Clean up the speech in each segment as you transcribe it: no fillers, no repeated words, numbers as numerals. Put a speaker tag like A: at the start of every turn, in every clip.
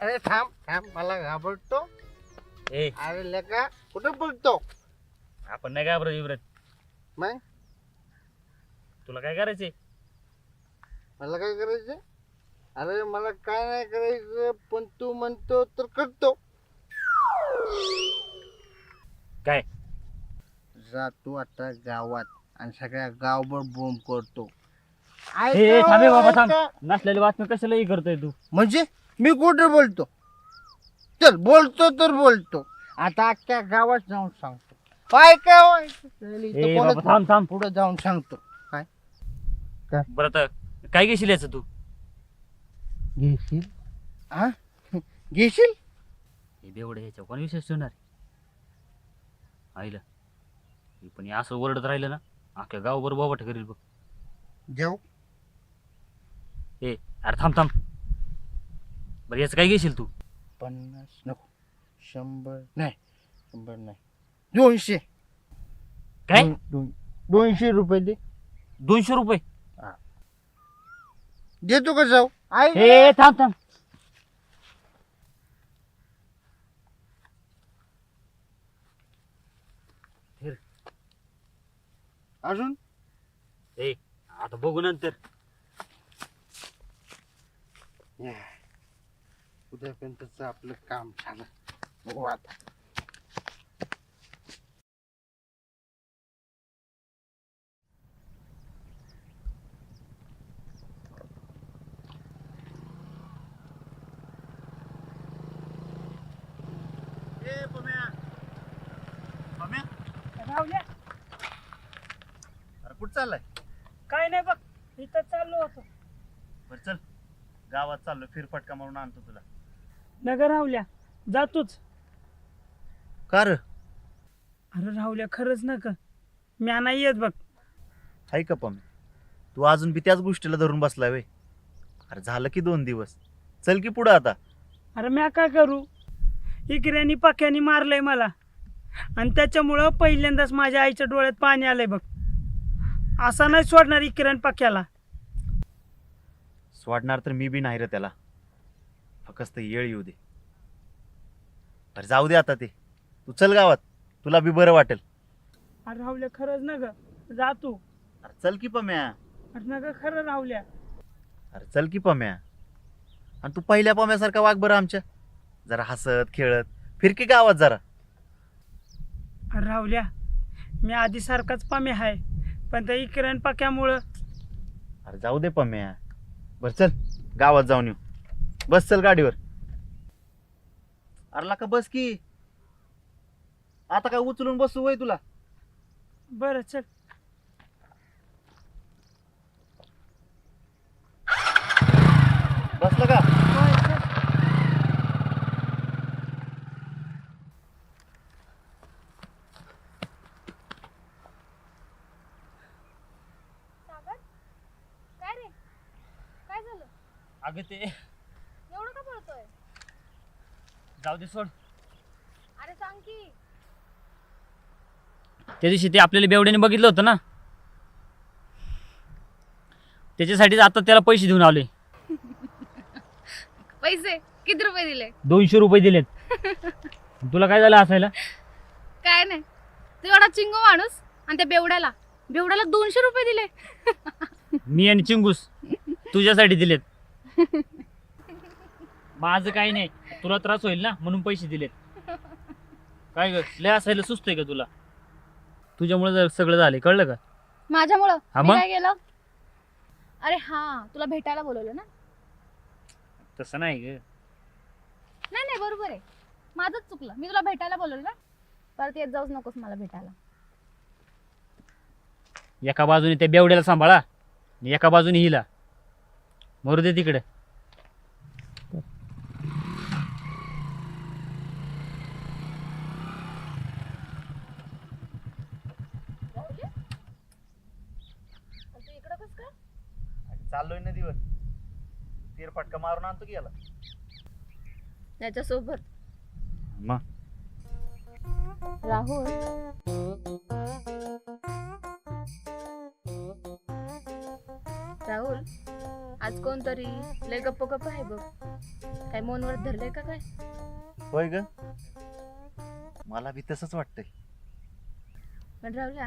A: अरे थांब थांब, मला घाबरतो.
B: ए
A: अरे लेका कुठं बोलतो
B: आपण नाही घाबरत इब्रत.
A: मग?
B: तुला काय करायचंय?
A: मला काय करायचं? अरे मला काय नाही करायचं, पण तू म्हणतो तर करतो.
B: काय?
A: जातो आता गावात आणि सगळ्या गावभर बोंब करतो.
B: ए थांबे बाबा थांब.
A: ऐका.
B: नसलेली बातमी कशालाही करतोय तू?
A: म्हणजे मी कुठं बोलतो? चल बोलतो तर बोलतो. आता अख्ख्या गावात जाऊन सांगतो. काय काय
B: ए बाबा थांब थांब.
A: पुढे जाऊन सांगतो.
B: बरं तर काय घेशील याचं तू?
A: घेशील? हा घेशील?
B: हे बेवडे ह्याच्या कोण विशेष ठेवणार आईला? हे पण हे असं ओरडत राहिलं ना अख्ख्या गावभर बोबाट करील बघ.
A: जाऊ.
B: ए अरे थांब थांब. बरं याचं काय घेशील तू?
A: 50 नको, 100 नाही, 100 नाही, 200.
B: काय?
A: 200 रुपये दे.
B: 200 रुपये?
A: देतो का जाऊ?
B: ए थांब थांब.
A: अजून
B: ए आता बघू नंतर.
A: उद्यापर्यंतच आपलं काम झालं. बघू आता.
B: अरे कुठं चाललाय?
C: काय नाही बघ, इथं चाललो होतो.
B: बरं चल गावात चाललो, फिरफटका मारून आणतो तुला.
C: नगर राहुल्या जातोच.
B: का रे?
C: अरे राहुल्या खरंच नका, म्या नाही येत बघ.
D: हाय का पण तू अजून बी त्याच गोष्टीला धरून बसलाय वे? अरे झालं की 2 दिवस, चल की पुढं आता.
C: अरे म्या काय करू, इकऱ्यानी पक्यानी मारलंय मला आणि त्याच्यामुळं पहिल्यांदाच माझ्या आईच्या डोळ्यात पाणी आलंय बघ. असा नाही सोडणार इकऱ्यान पक्याला.
D: सोडणार तर मी बी नाही रे त्याला, फक्त येळ येऊ दे. तर जाऊ दे आता ते, तू चल गावात, तुला बी बरं वाटेल.
C: अरे राहुल्या खरंच ना ग, जातो.
D: अरे चल की पम्या.
C: अरे ना ग खरं राहुल्या.
D: अरे चल की पम्या. आणि तू पहिल्या पम्यासारखा वाग बरं आमच्या, जरा हसत खेळत फिर की गावात जरा.
C: अरे राहुल्या, मी आधी सारखाच पामे आहे, पण त्या इकऱ्यान पक्यामुळं.
D: अरे जाऊ दे पम्या. बरं चल गावात जाऊन येऊ. बस चल गाडीवर. अरे का बस की, आता काय उचलून बसू वय तुला?
C: बरं चल.
D: बसलं का?
C: होय, चल.
E: सागर, काय रे? काय झालं?
B: अगं ते
E: एवढं का पळतोय?
B: जाऊ दे सोड.
E: अरे सांग की.
B: त्या दिवशी ते आपल्याला बेवड्याने बघितलं होतं ना, त्याच्यासाठीच आता त्याला पैसे देऊन आले.
E: पैसे किती रुपये दिले?
B: 200 रुपये दिलेत. तुला काय झालं असायला?
E: काय नाही, तू एवढा चिंगो माणूस आणि त्या बेवड्याला 200 रुपये दिले.
B: मी आणि चिंगूस तुझ्यासाठी दिलेत. माझं काही नाही, तुला त्रास होईल ना म्हणून पैसे दिलेत. काय ग लय असायला सुचतंय का तुला? तुझ्यामुळे सगळं झालंय, कळलं का?
E: माझ्यामुळं
B: हा
E: मी
B: मग?
E: काय केलं? अरे हा, तुला भेटायला बोलवलं ना?
B: तसं नाही ग.
E: नाही नाही बरोबर आहे, माझंच चुकलं. मी तुला भेटायला बोलवलं ना, परत येत जाऊच नकोस मला भेटायला.
B: एका बाजूने त्या बेवड्याला सांभाळा आणि एका बाजूने हिला. मरू दे तिकडे.
E: तू इकडं कस काय?
D: चाललोय नदीवर, फिरफटका मारून आणतो की याला.
E: त्याच्यासोबत
B: मग
E: राहुल. राहुल, आज कोणतरी लय गप्प गप्प आहे बघ. काय मौनव्रत धरलंय का काय?
D: होय ग, मला बी तसंच वाटतंय.
E: पण राहुल्या,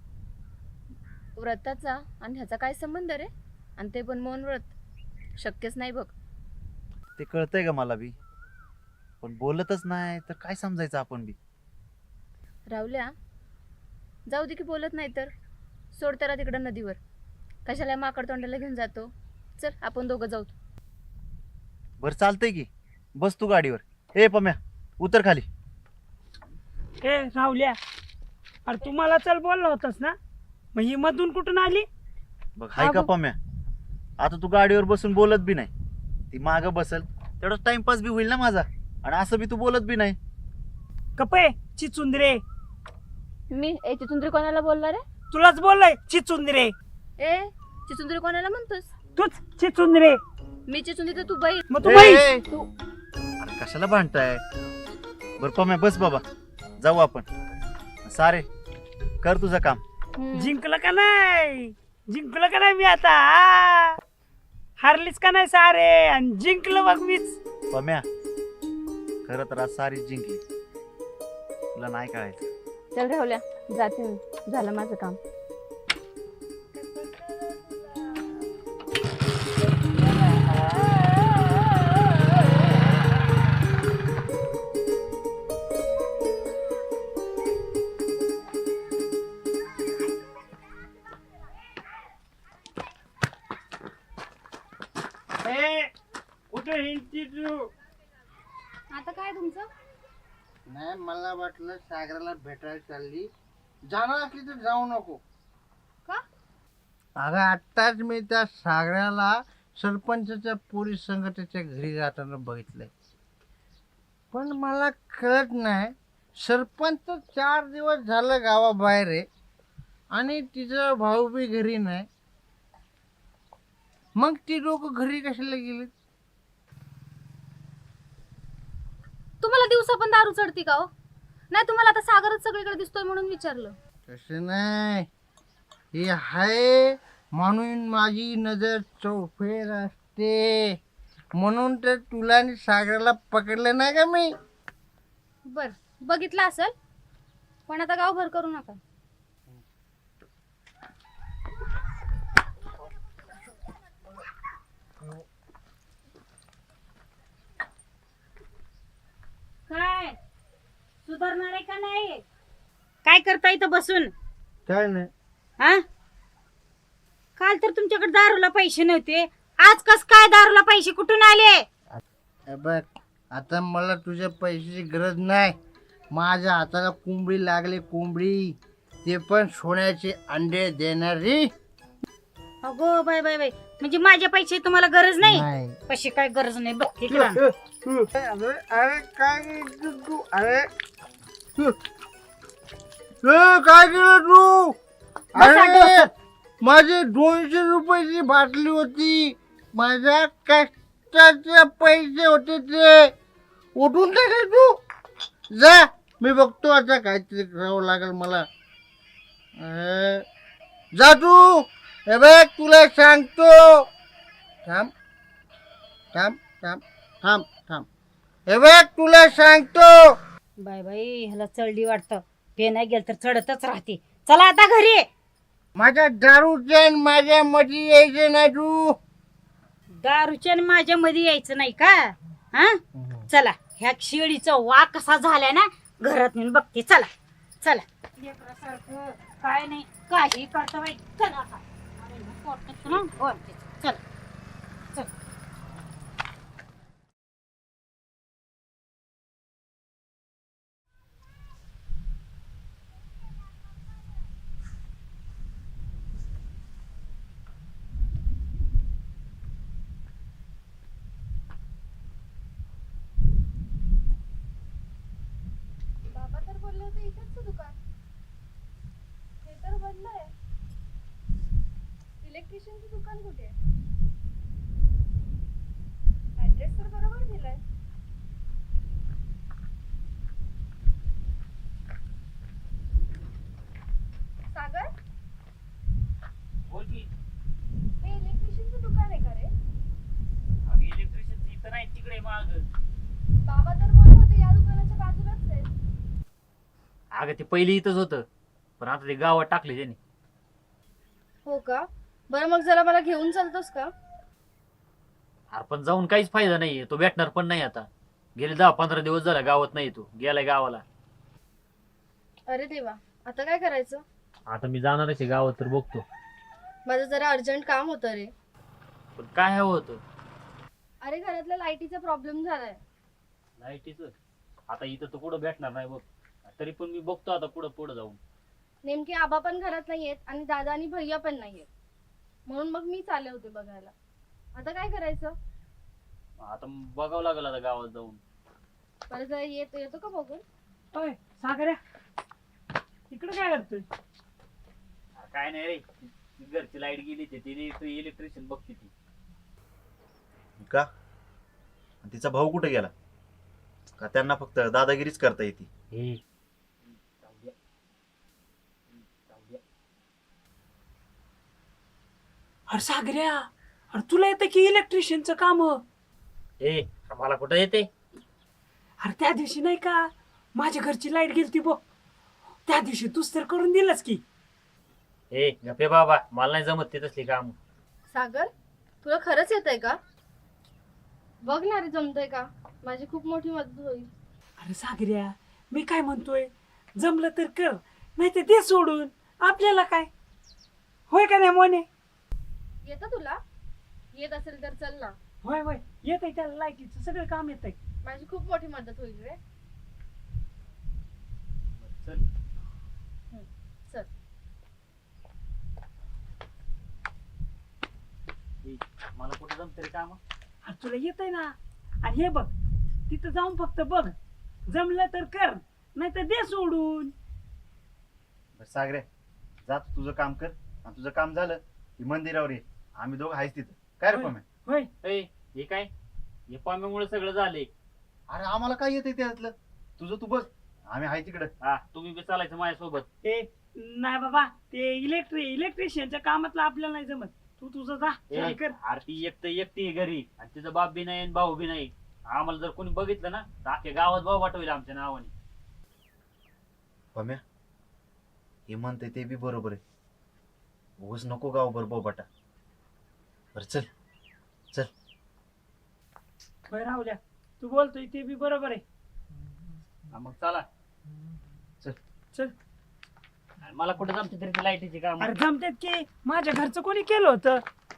E: व्रताचा आणि ह्याचा काय संबंध रे? आणि ते पण मौनव्रत शक्यच नाही बघ.
D: ते कळतंय ग मला बी, पण बोलतच नाही तर काय समजायचं आपण बी.
E: राहुल्या, जाऊ दे की बोलत नाही तर सोड त्याला तिकडं नदीवर. कशाला माकड तोंडाला घेऊन जातो? चल आपण दोघं जाऊ.
D: बरं चालतंय की, बस तू गाडीवर. ए पम्या, उतर खाली.
C: ए राहुल्या, अरे तू मला चल बोलला होतास ना, मग ही मधून कुठून आली?
D: बघ हाय का पम्या, आता तू गाडीवर बसून बोलत बी नाही, ती मागं बसल तेवढाच टाइमपास बी होईल ना माझा, आणि असं बी तू बोलत बी नाही.
C: कपे चिचुंदरे,
E: मी चिचुंद्री कोणाला बोलला रे?
C: तुलाच बोललाय चिचुंदरे.
E: ए चिचुंद्री कोणाला म्हणतोस?
C: तूच चिचुंदरे.
E: मी चिचुंद्री तर तू बाई.
C: मग तू
D: ए,
C: बाई.
D: ए, अरे कशाला भांडताय? बरं पम्या बस बाबा, जाऊ आपण. सारे कर तुझं काम.
C: जिंकलं का नाही? जिंकलं का नाही मी आता? आ? हारलीच का नाही सारे? आणि जिंकलं बघ मीच.
D: पम्या, खरं तर आज सारी जिंकली, तुला नाही कळायचं.
E: चल राहुल्या, जाते मी, झालं माझं काम.
C: कुठे हिंडती तू?
E: आता काय तुमचं?
A: नाही, मला वाटलं सागराला भेटायला चालली. जाणार असली तर जाऊ नको.
E: का?
A: अगं आत्ताच मी त्या सागराला सरपंचाच्या पोलीस संघटनेच्या घरी जाताना बघितलंय. पण मला कळत नाही, सरपंच 4 दिवस झालं गावाबाहेर आहे आणि तिचा भाऊ बी घरी नाही. मग ती लोक घरी कशाला गेली?
E: तुम्हाला दिवसा पण दारू चढती का हो? नाही, तुम्हाला आता सागरच सगळीकडे दिसतोय म्हणून विचारलं.
A: तसं नाही, हे आहे म्हणून माझी नजर चौफेर असते, म्हणून तर तुला आणि सागराला पकडलं नाही का मी.
E: बर, बघितलं असेल, पण आता गावभर करू नका.
F: काय सुधारणार आहे का नाही? काय करता इथं बसून?
A: काय नाही,
F: हा, काल तर तुमच्याकडे दारूला पैसे नव्हते, आज कस काय दारूला पैसे कुठून आले?
A: हे बघ, आता मला तुझ्या पैशाची गरज नाही. माझ्या हाताला कोंबडी लागली, कोंबडी, ते पण सोन्याचे अंडे देणारी.
F: अगो बाय बाय बाय, म्हणजे माझ्या पैसे तुम्हाला गरज नाही?
A: नाही.
F: पैसे काय गरज नाही बघ इकडं.
A: अरे अरे काय केलं तू? अरे काय केलं तू? अरे माझे 200 रुपयाची बाटली होती, माझ्या कष्टाचे पैसे होते, ते उठून टाकले तू. जा, मी बघतो आता काहीतरी करावं लागेल मला. जा तू. हे बघ तुला सांगतो. थांब थांब थांब थांब थांब. हे बघ तुला सांगतो.
F: बाय बाई, ह्याला चढली वाटतं, पे नाही गेल तर चढतच राहते. चला आता घरी.
A: माझ्या दारूच्या आणि माझ्या मध्ये यायचे नाही तू.
F: दारूच्या आणि माझ्या मध्ये यायचं नाही का? हा, चला. ह्या शेळीचा वाघ कसा झालाय ना, घरात नेऊन बघते. चला चला. लेकरासारखं काय नाही, काही करता बाई. चला आता. अरे, पोटात ना ओरडते. चला चला.
E: बाबा तर बोलले होते इथेच दुकान, हे तर बंद आहे. इलेक्ट्रिशियनचं दुकान कुठे आहे? ऍड्रेस तर बरोबर दिलाय. सागर,
B: बोल की.
E: हे इलेक्ट्रिशियनचं दुकान आहे का रे?
B: इलेक्ट्रिशियन इथं नाही, तिकडे माग.
E: बाबा तर बोलले होते या दुकानाच्या बाजूलाच आहे.
B: अगं ते पहिली इथंच होतं, पण आता ते गावात टाकले त्याने.
E: हो का? बरं मग जरा मला घेऊन चालतोस का?
B: अरे पण जाऊन काहीच फायदा नाहीये, तो भेटणार पण नाही आता. गेले 10-15 दिवस झाला गावात नाही, तो गेलाय गावाला.
E: अरे देवा, आता काय करायचं?
B: आता मी जाणारच आहे गावात, तर बघतो.
E: माझं जरा अर्जंट काम होतं रे.
B: पण काय हवं होतं?
E: अरे घरातल्या लाईटीचा प्रॉब्लेम झालाय.
B: लाईटीचं आता इथं तर कुठं भेटणार नाही बघ. तरी पण मी बघतो आता पुढं जाऊन.
E: नेमके आबा पण घरात नाहीयेत आणि दादा आणि भैया पण नाहीयेत, म्हणून मग मी चालले होते बघायला. आता काय करायचं?
B: आता बघावं लागेल आता गावात जाऊन.
E: परत येतो का बघून?
C: होय सागऱ्या, इकडे काय करतोय?
B: अरे काय नाही रे, घरची लाईट गेली ती इलेक्ट्रिशियन बघते ती.
D: का आणि तिचा भाऊ कुठे गेला? का त्यांना फक्त दादागिरीच करता येते?
B: हे जाऊ द्या. जाऊ द्या.
C: अरे सागऱ्या, अरे तुला येतं की इलेक्ट्रिशियनचं काम?
B: ए मला कुठं येते?
C: अरे त्या दिवशी नाही का माझ्या घरची लाईट गेलती बघ, त्या दिवशी तूच तर करून दिलंस की.
B: ए गप्पे बाबा, मला नाही जमत ते तसली काम.
E: सागर, तुला खरंच येतंय का? बघ ना रे, जमतंय का? माझी खूप मोठी मदत होईल.
C: अरे सागऱ्या, मी काय म्हणतोय, जमलं तर कर, नाही तर ते सोडून आपल्याला काय. होय का नाही मोने?
E: येतं तुला? येत असेल तर चल ना.
C: होय होय, येत आहे त्याला, लाईटीचं सगळं काम येत आहे.
E: माझी खूप मोठी मदत होईल रे.
B: चल.
E: चल.
B: ए, मला कुठं जमत रे काम?
C: अरे तुला येत आहे ना. आणि हे बघ, तिथं जाऊन फक्त बघ, जमलं तर कर, नाही तर दे सोडून.
D: बरं सागरे, जा तू तुझं काम कर, आणि तुझं काम झालं की मंदिरावर ये, आम्ही दोघं आहेच तिथं. काय रे
C: होय.
D: पम्या?
C: होय,
B: ए हे काय? हे पाम्यामुळे सगळं झाले.
D: अरे आम्हाला काय येतंय त्यातलं? तुझं तू बघ, आम्ही आहे तिकडं.
B: हा तुम्ही बी चालायचं माझ्यासोबत.
C: ते नाही बाबा, ते इलेक्ट्रिशियनच्या कामातलं आपल्याला नाही जमत. तू तुझं जा,
B: ए,
C: चल कर.
B: आरती एकटी आहे घरी, आणि तिचा बाप बी नाही आणि भाऊ बी नाही. आम्हाला जर कोणी बघितलं ना तर अख्ख्या गावात भाऊ वाटवेल आमच्या नावाने.
D: पम्या, हे म्हणते ते बी बरोबर आहे. उगाच नको गाव बरोबर बाटा. बरं चल चल.
C: होय राहुल्या, तू बोलतोय ते बी बरोबर आहे.
B: हा, मग चला.
D: चल.
C: चल.
B: आणि मला कुठं जमते तरी लाईटीची काम.
C: अरे जमतेत की, माझ्या घरचं कोणी केलं होतं.